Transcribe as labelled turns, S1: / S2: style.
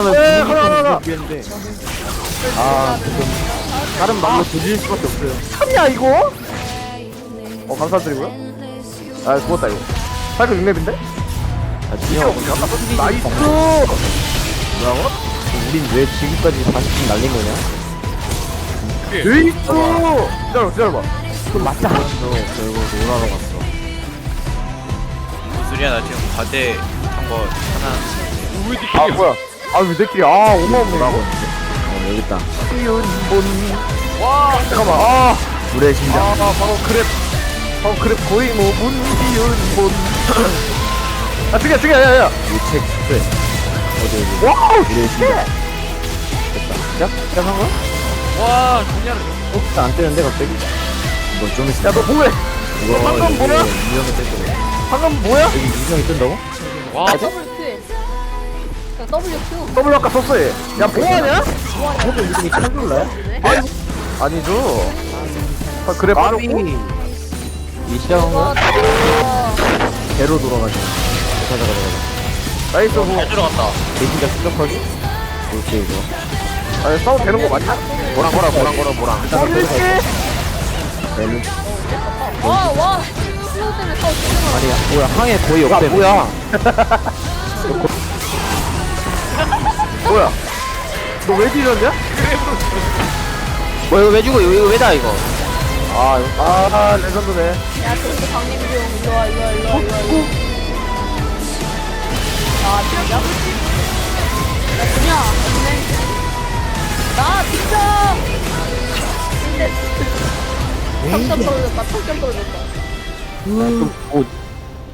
S1: 가라.
S2: 아 지금 다른 말로 조질 수밖에 없어요.
S1: 참냐 이거? 감사드리고요. 아 죽었다 이거. 사이클 6렙인데?
S2: 아 진영
S1: 나이스. 뭐라고?
S2: 우린 왜 지금까지 40분 날린 거냐?
S1: 에이스. 기다려봐.
S2: 그럼 맞지 않았어. 결국 놀아러 갔어.
S3: 무슨 소리야? 나 지금 과제 한거 하나.
S1: 아 뭐야? 왜 내끼리 5만 뭐라고?
S2: 여기 있다.
S1: 이은본. 와 잠깐만.
S2: 물의 심장.
S1: 바로 그랩 거의 뭐 문비은본. 죽여 야야.
S2: 이책 네. 어디
S1: 와우
S2: 물의
S1: 씨.
S2: 심장. 됐다. 시작한 거야?
S3: 와, 그냥
S2: 혹시 안 뜨는데 갑자기? 이거 좀 있어.
S1: 야너 뭐해?
S2: 이거
S1: 방금 뭐야?
S2: 유형이 뜰 거야.
S1: 방금 뭐야?
S2: 여기 유형이 뜬다고?
S3: 와,
S4: WQ. WQ.
S1: W 아까 썼어 얘. 야 뭐하냐?
S2: 저도 이름이 찬줄라요?
S1: 아니죠. 그래 바로
S2: 이 시작한
S4: 와,
S2: 거야? 배로 돌아가자. 가자.
S1: 나이스 후.
S3: 잘 들어갔다.
S2: 대신자 추적하기? 그렇지 이거.
S1: 아니 싸워도 되는 거 맞냐?
S3: 뭐랑.
S1: 뻥일게.
S2: 얘는
S4: 와. 슬로우 때문에 싸우 죽는
S2: 아니야 뭐야 항해 거의 없대.
S1: 뭐야? 뭐야? 너 왜 뒤졌냐?
S3: 뭐 이거 왜 죽어? 이거 왜다 이거?
S1: 레전드네.
S4: 야, 저기 강림중 일로 와. 아, 진짜? 야, 그냥 나 진짜. 근데 3점 떨어졌다. 3점 떨어졌다.
S2: 뭐